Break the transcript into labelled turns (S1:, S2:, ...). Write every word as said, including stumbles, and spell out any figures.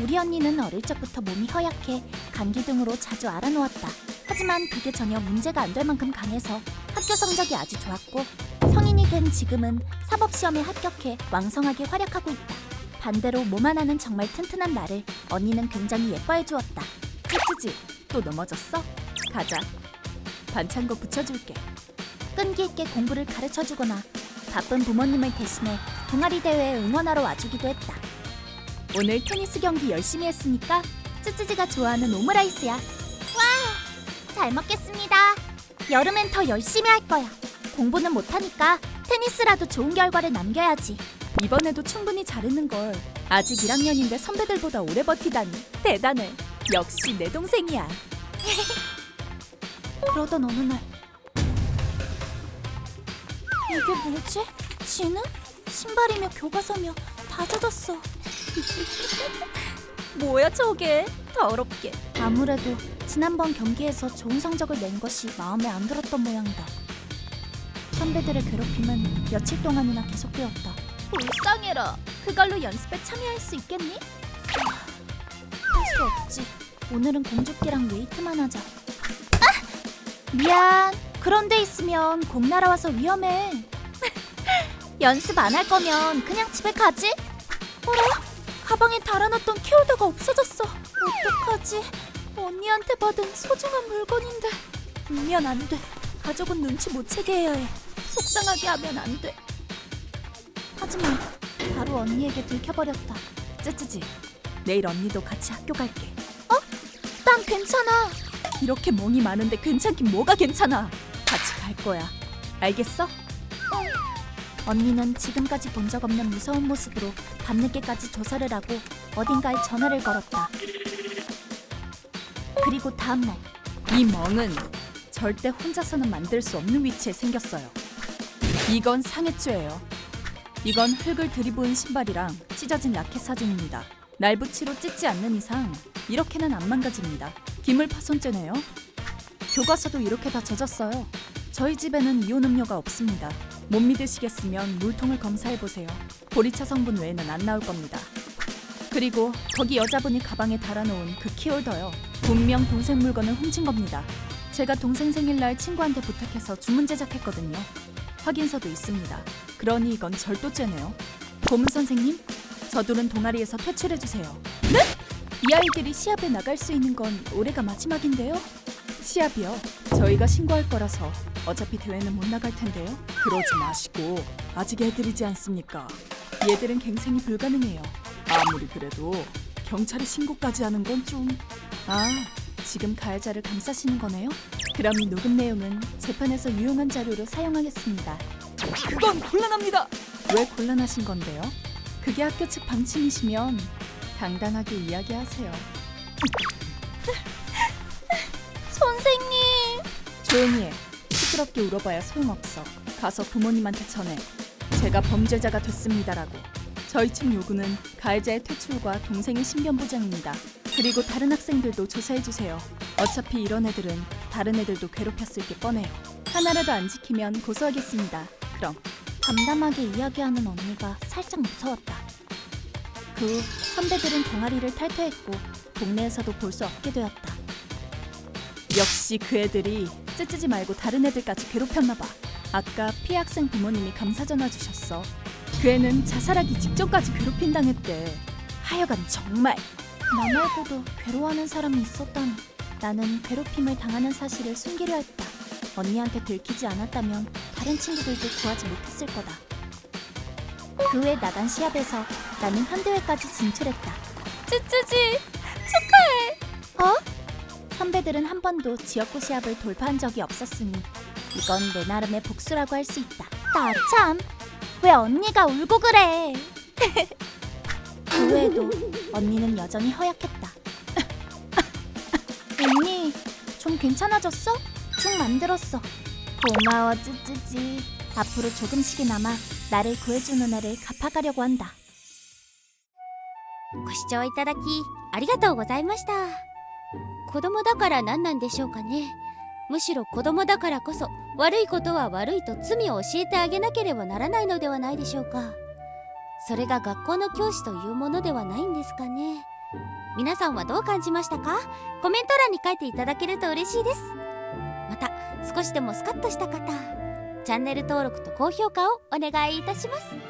S1: 우리 언니는 어릴 적부터 몸이 허약해 감기 등으로 자주 앓아놓았다. 하지만 그게 전혀 문제가 안 될 만큼 강해서 학교 성적이 아주 좋았고 성인이 된 지금은 사법시험에 합격해 왕성하게 활약하고 있다. 반대로 몸 하나는 정말 튼튼한 나를 언니는 굉장히 예뻐해 주었다. 찌찌지, 또 넘어졌어? 가자. 반창고 붙여줄게. 끈기 있게 공부를 가르쳐주거나 바쁜 부모님을 대신해 동아리 대회에 응원하러 와주기도 했다. 오늘 테니스 경기 열심히 했으니까 쯔쯔지가 좋아하는 오므라이스야. 와, 잘 먹겠습니다. 여름엔 더 열심히 할 거야. 공부는 못하니까 테니스라도 좋은 결과를 남겨야지. 이번에도 충분히 잘했는걸. 아직 일 학년인데 선배들보다 오래 버티다니 대단해. 역시 내 동생이야. 그러던 어느 날 이게 뭐지? 진우? 신발이며 교과서며 다 젖었어. 뭐야 저게? 더럽게. 아무래도 지난번 경기에서 좋은 성적을 낸 것이 마음에 안 들었던 모양이다. 선배들의 괴롭힘은 며칠 동안이나 계속되었다. 불쌍해라. 그걸로 연습에 참여할 수 있겠니? 할 수 없지. 오늘은 공주끼랑 웨이트만 하자. 아! 미안. 그런 데 있으면 공 날아와서 위험해. 연습 안 할 거면 그냥 집에 가지. 어라? 가방에 달아놨던 키홀더가 없어졌어. 어떡하지? 언니한테 받은 소중한 물건인데. 울면 안 돼. 가족은 눈치 못 채게 해야 해. 속상하게 하면 안 돼. 하지만 바로 언니에게 들켜버렸다. 쯔쯔지, 내일 언니도 같이 학교 갈게. 어? 난 괜찮아. 이렇게 멍이 많은데 괜찮긴 뭐가 괜찮아. 같이 갈 거야. 알겠어? 어. 언니는 지금까지 본 적 없는 무서운 모습으로 밤늦게까지 조사를 하고 어딘가에 전화를 걸었다. 그리고 다음날 이 멍은 절대 혼자서는 만들 수 없는 위치에 생겼어요. 이건 상해죄예요. 이건 흙을 들이부은 신발이랑 찢어진 라켓 사진입니다. 날붙이로 찢지 않는 이상 이렇게는 안 망가집니다. 기물 파손죄네요. 교과서도 이렇게 다 젖었어요. 저희 집에는 이온 음료가 없습니다. 못 믿으시겠으면 물통을 검사해보세요. 보리차 성분 외에는 안 나올 겁니다. 그리고 거기 여자분이 가방에 달아놓은 그 키홀더요. 분명 동생 물건을 훔친 겁니다. 제가 동생 생일날 친구한테 부탁해서 주문 제작했거든요. 확인서도 있습니다. 그러니 이건 절도죄네요. 고문 선생님, 저둘은 동아리에서 퇴출해주세요. 네? 이 아이들이 시합에 나갈 수 있는 건 올해가 마지막인데요? 시합이요? 저희가 신고할 거라서 어차피 대회는 못 나갈 텐데요. 그러지 마시고 아직 애들이지 않습니까? 얘들은 갱생이 불가능해요. 아무리 그래도 경찰에 신고까지 하는 건 좀... 아, 지금 가해자를 감싸시는 거네요? 그럼 이 녹음 내용은 재판에서 유용한 자료로 사용하겠습니다. 그건 곤란합니다. 왜 곤란하신 건데요? 그게 학교 측 방침이시면 당당하게 이야기하세요. 선생님! 조용히 해. 시끄럽게 울어봐야 소용없어. 가서 부모님한테 전해. 제가 범죄자가 됐습니다라고. 저희 측 요구는 가해자의 퇴출과 동생의 신변 보장입니다. 그리고 다른 학생들도 조사해주세요. 어차피 이런 애들은 다른 애들도 괴롭혔을 게 뻔해요. 하나라도 안 지키면 고소하겠습니다. 그럼. 담담하게 이야기하는 언니가 살짝 무서웠다. 그 후 선배들은 동아리를 탈퇴했고 동네에서도 볼 수 없게 되었다. 역시 그 애들이 쯔쯔지 말고 다른 애들까지 괴롭혔나 봐. 아까 피해 학생 부모님이 감사 전화 주셨어. 그 애는 자살하기 직전까지 괴롭힘 당했대. 하여간 정말. 나 말고도 괴로워하는 사람이 있었다니. 나는 괴롭힘을 당하는 사실을 숨기려 했다. 언니한테 들키지 않았다면 다른 친구들도 구하지 못했을 거다. 그 후에 나간 시합에서 나는 현대회까지 진출했다. 쯔쯔지 축하해. 어? 선배들은 한 번도 지역구 시합을 돌파한 적이 없었으니 이건 내 나름의 복수라고 할 수 있다. 나 참, 왜 언니가 울고 그래? 그 후에도 언니는 여전히 허약했다. 언니, 좀 괜찮아졌어? 죽 만들었어. 고마워 쯔쯔지. 앞으로 조금씩이나마 나를 구해주는 애를 갚아가려고 한다.
S2: ご視聴いただきありがとうございました。子供だから何なんでしょうかね。むしろ子供だからこそ悪いことは悪いと罪を教えてあげなければならないのではないでしょうか。それが学校の教師というものではないんですかね。 皆さんはどう感じましたか？コメント欄に書いていただけると嬉しいです。また少しでもスカッとした方、チャンネル登録と高評価をお願いいたします。